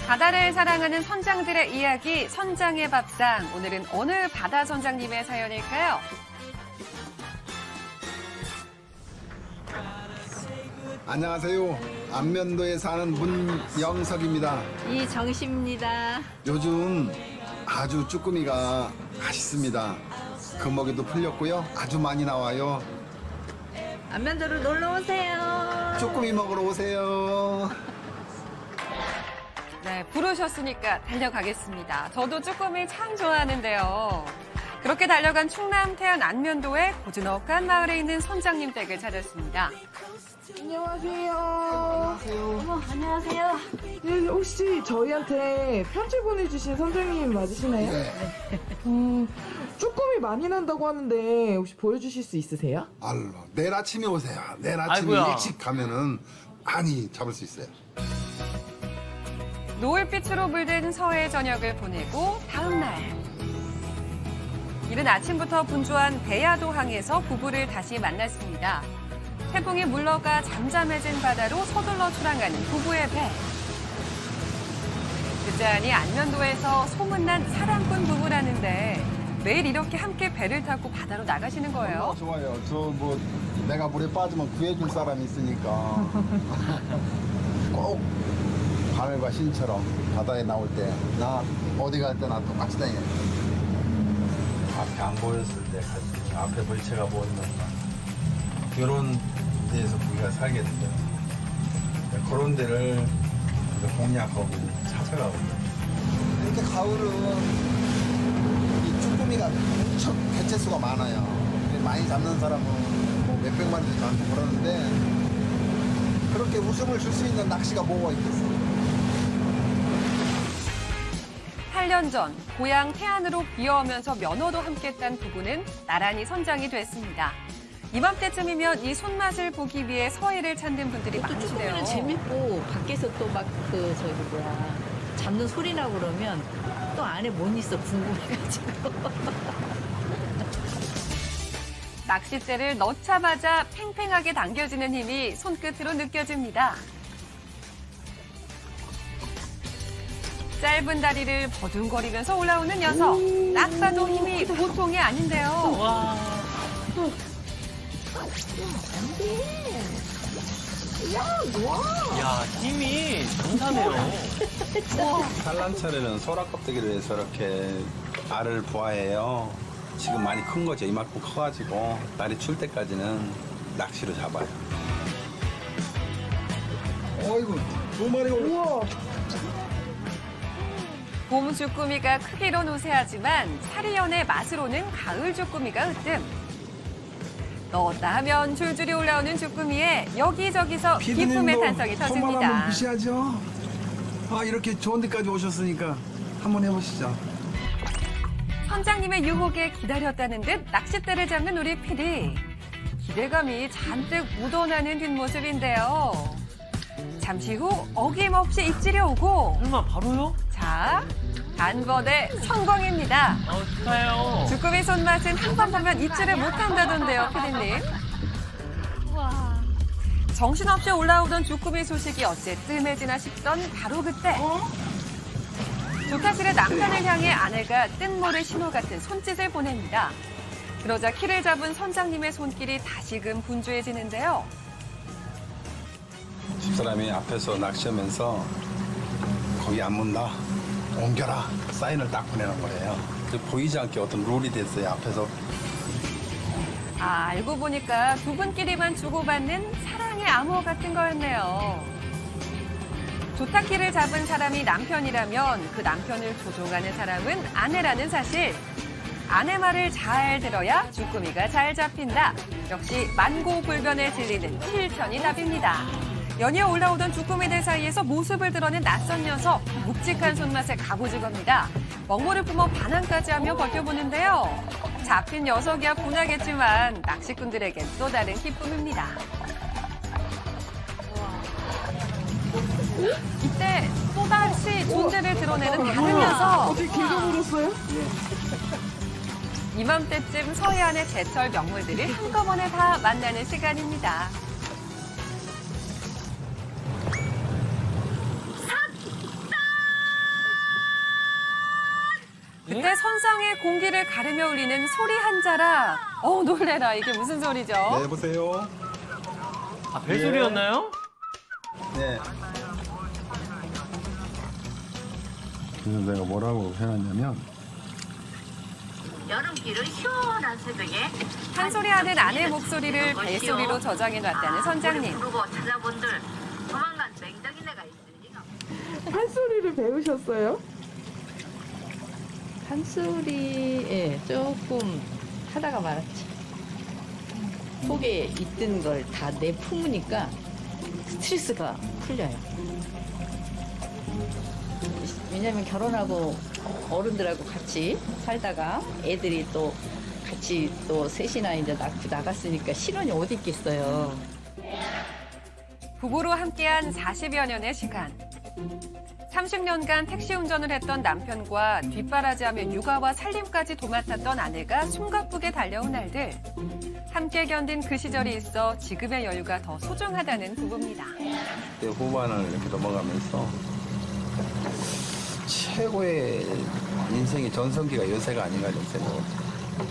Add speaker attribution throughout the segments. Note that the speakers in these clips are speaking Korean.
Speaker 1: 바다를 사랑하는 선장들의 이야기, 선장의 밥상. 오늘은 어느 바다 선장님의 사연일까요?
Speaker 2: 안녕하세요. 안면도에 사는 문영석입니다.
Speaker 3: 이정식입니다.
Speaker 2: 요즘 아주 쭈꾸미가 맛있습니다. 금어기도 풀렸고요. 아주 많이 나와요.
Speaker 3: 안면도로 놀러 오세요.
Speaker 2: 쭈꾸미 먹으러 오세요.
Speaker 1: 네, 부르셨으니까 달려가겠습니다. 저도 쭈꾸미 참 좋아하는데요. 그렇게 달려간 충남 태안 안면도의 고즈넉한 마을에 있는 선장님 댁을 찾았습니다.
Speaker 4: 안녕하세요.
Speaker 3: 어머, 안녕하세요.
Speaker 4: 네, 혹시 저희한테 편지 보내주신 선생님 맞으시나요?
Speaker 2: 네.
Speaker 4: 쭈꾸미 많이 난다고 하는데 혹시 보여주실 수 있으세요?
Speaker 2: 알로 내일 아침에 오세요. 내일 아침에
Speaker 5: 아이고야.
Speaker 2: 일찍 가면은 많이 잡을 수 있어요.
Speaker 1: 노을빛으로 물든 서해 저녁을 보내고 다음 날. 이른 아침부터 분주한 배야도항에서 부부를 다시 만났습니다. 태풍이 물러가 잠잠해진 바다로 서둘러 출항하는 부부의 배. 듣자하니 안면도에서 소문난 사랑꾼 부부라는데 매일 이렇게 함께 배를 타고 바다로 나가시는 거예요.
Speaker 2: 좋아요. 저 뭐 내가 물에 빠지면 구해줄 사람이 있으니까 꼭 바늘과 신처럼 바다에 나올 때 나 어디 갈 때나 똑같이 다녀요.
Speaker 5: 앞에 안 보였을 때 앞에 물체가 보이면 이런 데에서 우리가 살게 되죠. 그런 데를 이제 공략하고 찾아가거든요.
Speaker 2: 이렇게 가을은 이 쭈꾸미가 엄청 개체수가 많아요. 많이 잡는 사람은 뭐 몇백 마리도 잡고 그러는데 그렇게 웃음을 줄 수 있는 낚시가 뭐가 있겠어요?
Speaker 1: 8년 전 고향 태안으로 비어오면서 면허도 함께 딴 부부는 나란히 선장이 됐습니다. 이맘때쯤이면 이 손맛을 보기 위해 서해를 찾는 분들이
Speaker 3: 또
Speaker 1: 많으시대요.
Speaker 3: 쭈꾸미는 재밌고 밖에서 또 막 잡는 소리 나고 그러면 또 안에 못 있어 궁금해가지고.
Speaker 1: 낚싯대를 넣자마자 팽팽하게 당겨지는 힘이 손끝으로 느껴집니다. 짧은 다리를 버둥거리면서 올라오는 녀석. 딱 봐도 힘이 보통이 아닌데요.
Speaker 5: 와. 야, 힘이 장사네요.
Speaker 6: 산란철에는 소라 껍데기를 해서 이렇게 알을 부화해요. 지금 많이 큰 거죠. 이만큼 커가지고 날이 출 때까지는 낚시로 잡아요.
Speaker 2: 어이구, 두 마리가 우와.
Speaker 1: 봄 쭈꾸미가 크기론 우세하지만 사리연의 맛으로는 가을 쭈꾸미가 으뜸. 넣었다 하면 줄줄이 올라오는 쭈꾸미에 여기저기서 기쁨의 탄성이 터집니다.
Speaker 2: 무시하죠. 아 이렇게 좋은 데까지 오셨으니까 한번 해보시죠.
Speaker 1: 선장님의 유혹에 기다렸다는 듯 낚싯대를 잡는 우리 PD. 기대감이 잔뜩 묻어나는 뒷모습인데요. 잠시 후 어김없이 입질이 오고
Speaker 5: 설마 바로요?
Speaker 1: 자, 단번에 성공입니다.
Speaker 5: 축하해요.
Speaker 1: 쭈꾸미 손맛은 한 번 보면 잊지를 못한다던데요, 피디님. 정신없이 올라오던 쭈꾸미 소식이 어째 뜸해지나 싶던 바로 그때. 조타실의 남편을 향해 아내가 뜬모를 신호 같은 손짓을 보냅니다. 그러자 키를 잡은 선장님의 손길이 다시금 분주해지는데요.
Speaker 6: 집사람이 앞에서 낚시하면서 거기 안 문다. 옮겨라. 사인을 딱 보내는 거예요. 보이지 않게 어떤 룰이 됐어요. 앞에서.
Speaker 1: 아, 알고 보니까 두 분끼리만 주고받는 사랑의 암호 같은 거였네요. 조타키를 잡은 사람이 남편이라면 그 남편을 조종하는 사람은 아내라는 사실. 아내 말을 잘 들어야 쭈꾸미가 잘 잡힌다. 역시 만고불변의 진리는 실천이 답입니다. 연이어 올라오던 쭈꾸미들 사이에서 모습을 드러낸 낯선 녀석. 묵직한 손맛의 갑오징어입니다. 먹물을 품어 반항까지 하며 버텨보는데요. 잡힌 녀석이야 분하겠지만 낚시꾼들에겐 또 다른 기쁨입니다. 이때 또다시 존재를 드러내는 다른 녀석.
Speaker 4: 어떻게 길게 물었어요?
Speaker 1: 이맘때쯤 서해안의 제철 명물들을 한꺼번에 다 만나는 시간입니다. 그때 선상에 공기를 가르며 울리는 소리 한 자락. 놀래라. 이게 무슨 소리죠?
Speaker 6: 네, 여보세요?
Speaker 5: 아, 벨소리였나요?
Speaker 6: 네. 그래서 내가 뭐라고 해놨냐면
Speaker 7: 여름길은 시원한 새벽에
Speaker 1: 한 소리 하는 아내 목소리를 벨소리로 저장해 놨다는 선장님.
Speaker 7: 부르고 찾아본들 조만간 맹덩이네가 있으니
Speaker 4: 판소리를 배우셨어요?
Speaker 3: 판소리, 예, 조금 하다가 말았지. 속에 있던 걸 다 내품으니까 스트레스가 풀려요. 왜냐면 결혼하고 어른들하고 같이 살다가 애들이 또 같이 또 셋이나 이제 낳고 나갔으니까 신혼이 어디 있겠어요.
Speaker 1: 부부로 함께한 40여 년의 시간. 30년간 택시 운전을 했던 남편과 뒷바라지하며 육아와 살림까지 도맡았던 아내가 숨가쁘게 달려온 날들. 함께 견딘 그 시절이 있어 지금의 여유가 더 소중하다는 부부입니다.
Speaker 6: 내 후반을 이렇게 넘어가면서 최고의 인생의 전성기가 요새가 아닌가 좀 생각합니다.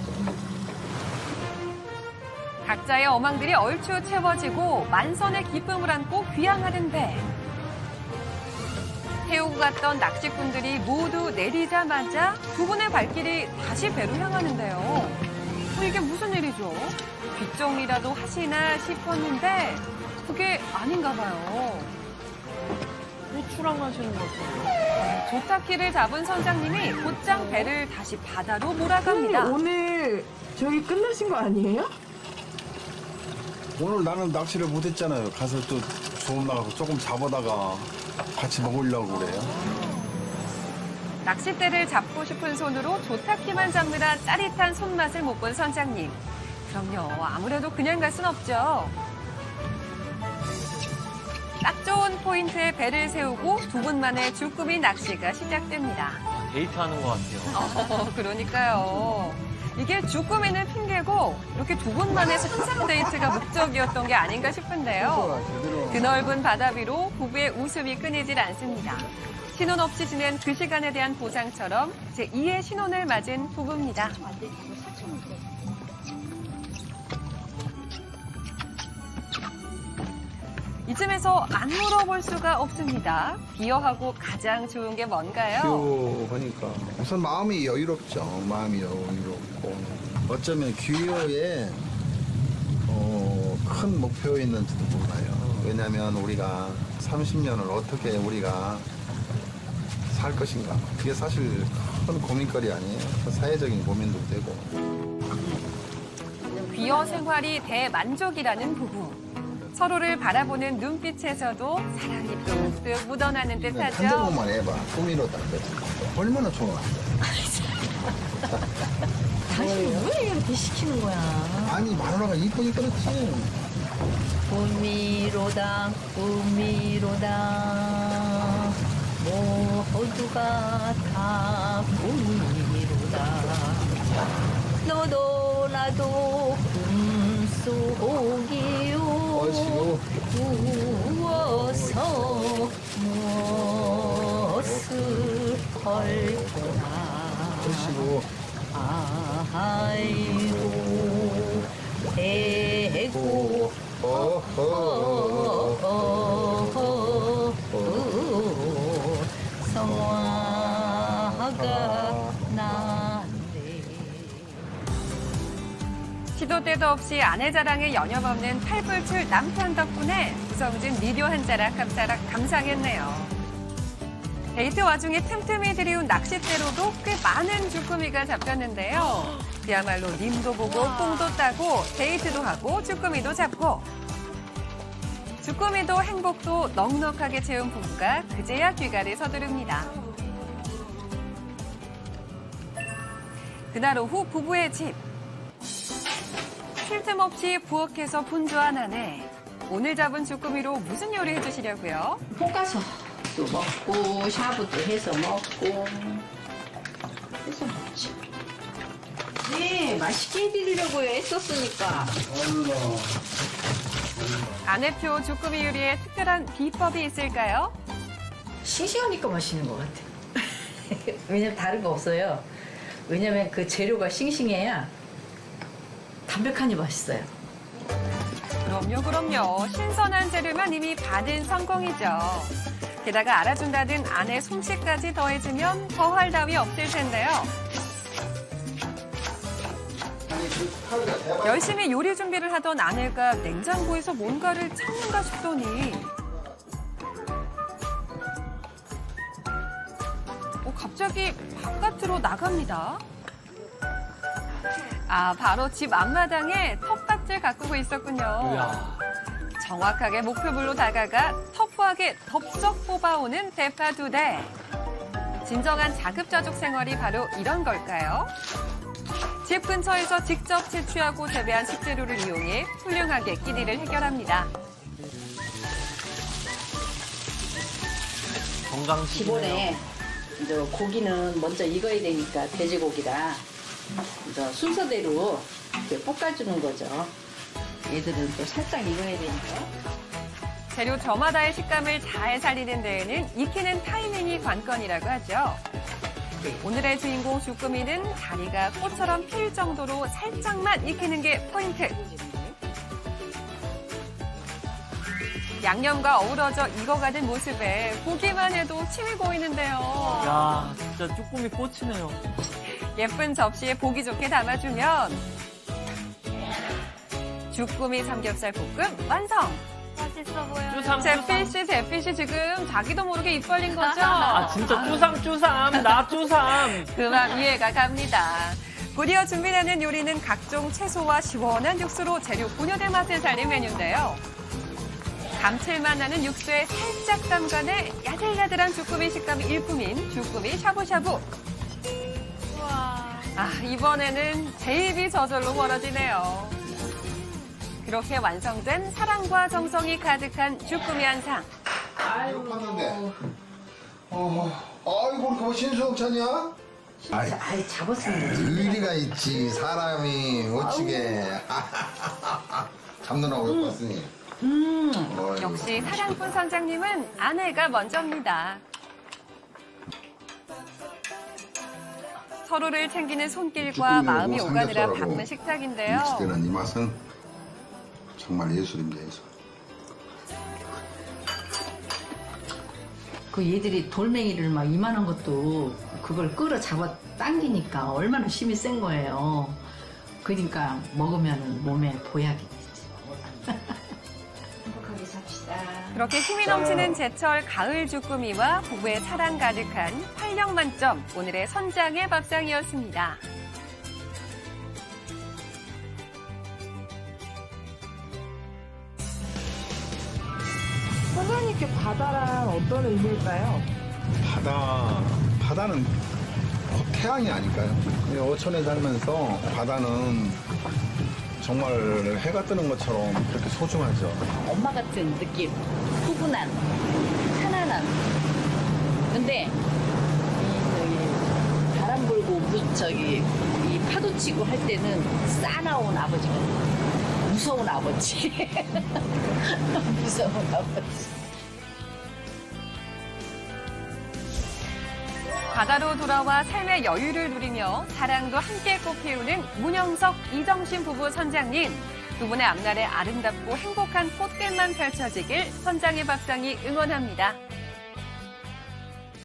Speaker 1: 각자의 어망들이 얼추 채워지고 만선의 기쁨을 안고 귀향하는 배. 태우고 갔던 낚시꾼들이 모두 내리자마자 두 분의 발길이 다시 배로 향하는데요. 이게 무슨 일이죠? 뒷정리라도 하시나 싶었는데 그게 아닌가 봐요.
Speaker 4: 출항하시는 것 같아요.
Speaker 1: 조타키를 잡은 선장님이 곧장 배를 다시 바다로 몰아갑니다.
Speaker 4: 선생님, 오늘 저기 끝나신 거 아니에요?
Speaker 6: 오늘 나는 낚시를 못했잖아요. 가서 또 조업 나가서 조금 잡아다가 같이 먹으려고 그래요.
Speaker 1: 낚싯대를 잡고 싶은 손으로 조타키만 잡느라 짜릿한 손맛을 못 본 선장님. 그럼요, 아무래도 그냥 갈 순 없죠. 딱 좋은 포인트에 배를 세우고 두 분만의 주꾸미 낚시가 시작됩니다.
Speaker 5: 데이트하는 것 같아요.
Speaker 1: 그러니까요. 이게 주꾸미는 핑계고 이렇게 두 분만의 선상 데이트가 목적이었던 게 아닌가 싶은데요. 드넓은 바다 위로 부부의 웃음이 끊이질 않습니다. 신혼 없이 지낸 그 시간에 대한 보상처럼 제2의 신혼을 맞은 부부입니다. 이쯤에서 안 물어볼 수가 없습니다. 비어하고 가장 좋은 게 뭔가요?
Speaker 2: 귀여우니까 우선 마음이 여유롭죠. 마음이 여유롭고 어쩌면 귀여에 큰 목표 있는지도 몰라요. 왜냐하면 우리가 30년을 어떻게 우리가 살 것인가 그게 사실 큰 고민거리 아니에요. 사회적인 고민도 되고.
Speaker 1: 비어 생활이 대만족이라는 부부. 서로를 바라보는 눈빛에서도 사랑이 뚝뚝 묻어나는
Speaker 2: 한
Speaker 1: 듯하죠.
Speaker 2: 장만 해봐. 꾸미로다. 얼마나 좋아.
Speaker 3: 당신 왜 이렇게 시키는 거야?
Speaker 2: 아니 마누라가 이쁘니 그렇지.
Speaker 3: 꿈이로다 꿈이로다 모두가 다 꿈이로다 너도 나도 꿈속이요
Speaker 2: 어지고
Speaker 3: 누워서 무엇을 할 거나
Speaker 2: 어지고
Speaker 3: 아이고 대고 성화가 난데
Speaker 1: 시도 때도 없이 아내 자랑에 여념없는 팔불출 남편 덕분에 구성진 미디어 한 자락 한 자락 감상했네요. 데이트 와중에 틈틈이 들이운 낚싯대로도 꽤 많은 주꾸미가 잡혔는데요. 그야말로 님도 보고 뽕도 따고 데이트도 하고 주꾸미도 잡고 주꾸미도 행복도 넉넉하게 채운 부부가 그제야 귀가를 서두릅니다. 그날 오후 부부의 집. 쉴 틈 없이 부엌에서 분주한 아내. 오늘 잡은 주꾸미로 무슨 요리 해주시려고요?
Speaker 3: 볶아서도 먹고 샤브도 해서 먹고 해서 먹지. 네, 맛있게 해드리려고 애썼으니까.
Speaker 1: 아내표 주꾸미 요리에 특별한 비법이 있을까요?
Speaker 3: 싱싱하니까 맛있는 것 같아. 왜냐면 다른 거 없어요. 왜냐면 그 재료가 싱싱해야 담백하니 맛있어요.
Speaker 1: 그럼요. 신선한 재료면 이미 받은 성공이죠. 게다가 알아준다는 아내 솜씨까지 더해지면 더할 나위 없을 텐데요. 열심히 요리 준비를 하던 아내가 냉장고에서 뭔가를 찾는가 싶더니 갑자기 바깥으로 나갑니다. 바로 집 앞마당에 텃밭을 가꾸고 있었군요.
Speaker 5: 이야.
Speaker 1: 정확하게 목표물로 다가가 터프하게 덥석 뽑아오는 대파 2대. 진정한 자급자족 생활이 바로 이런 걸까요? 집 근처에서 직접 채취하고 재배한 식재료를 이용해 훌륭하게 끼니를 해결합니다.
Speaker 5: 건강식이네요.
Speaker 3: 기본에 이제 고기는 먼저 익어야 되니까 돼지고기라 이제 순서대로 이렇게 볶아주는 거죠. 얘들은 또 살짝 익어야 되니까.
Speaker 1: 재료 저마다의 식감을 잘 살리는 데에는 익히는 타이밍이 관건이라고 하죠. 오늘의 주인공 주꾸미는 다리가 꽃처럼 필 정도로 살짝만 익히는 게 포인트. 양념과 어우러져 익어가는 모습에 보기만 해도 침이 고이는데요.
Speaker 5: 야, 진짜 쭈꾸미 꽂히네요.
Speaker 1: 예쁜 접시에 보기 좋게 담아주면 주꾸미 삼겹살 볶음 완성!
Speaker 7: 맛있어 보여.
Speaker 1: 제필씨 지금 자기도 모르게 입 벌린 거죠?
Speaker 5: 진짜 쭈삼, 나 쭈삼.
Speaker 1: 그만 이해가 갑니다. 곧이어 준비되는 요리는 각종 채소와 시원한 육수로 재료 본연의 맛을 살린 메뉴인데요. 감칠맛 나는 육수에 살짝 담가내 야들야들한 주꾸미 식감이 일품인 주꾸미 샤브샤브. 이번에는 제 입이 저절로 멀어지네요. 그렇게 완성된 사랑과 정성이 가득한 주꾸미 한상.
Speaker 2: 배고팠는데. 아이고, 그거 신수옥찬이야?
Speaker 3: 아이 잡았습니다.
Speaker 2: 의리가 있지, 사람이 어찌게. 잡느라고 배고팠으니.
Speaker 1: 역시 사랑꾼 선장님은 아내가 먼저입니다. 서로를 챙기는 손길과 마음이 오가느라 바쁜 식탁인데요.
Speaker 2: 믹스되는 이 맛은 정말 예술입니다, 예술.
Speaker 3: 그 얘들이 돌멩이를 막 이만한 것도 그걸 끌어 잡아 당기니까 얼마나 힘이 센 거예요. 그러니까 먹으면 몸에 보약이 되지. 행복하게 삽시다.
Speaker 1: 그렇게 힘이 넘치는 제철 가을 주꾸미와 부부의 사랑 가득한 활력 만점 오늘의 선장의 밥상이었습니다.
Speaker 4: 선장님께 바다란 어떤 의미일까요?
Speaker 6: 바다는 곧 태양이 아닐까요? 이 어촌에 살면서 바다는 정말 해가 뜨는 것처럼 그렇게 소중하죠.
Speaker 3: 엄마 같은 느낌, 푸근한, 편안한. 근데 이 바람 불고 이 파도 치고 할 때는 싸나운 아버지가 무서운 아버지. 무서운 아버지.
Speaker 1: 바다로 돌아와 삶의 여유를 누리며 사랑도 함께 꽃피우는 문영석, 이정신 부부 선장님. 두 분의 앞날에 아름답고 행복한 꽃길만 펼쳐지길 선장의 밥상이 응원합니다.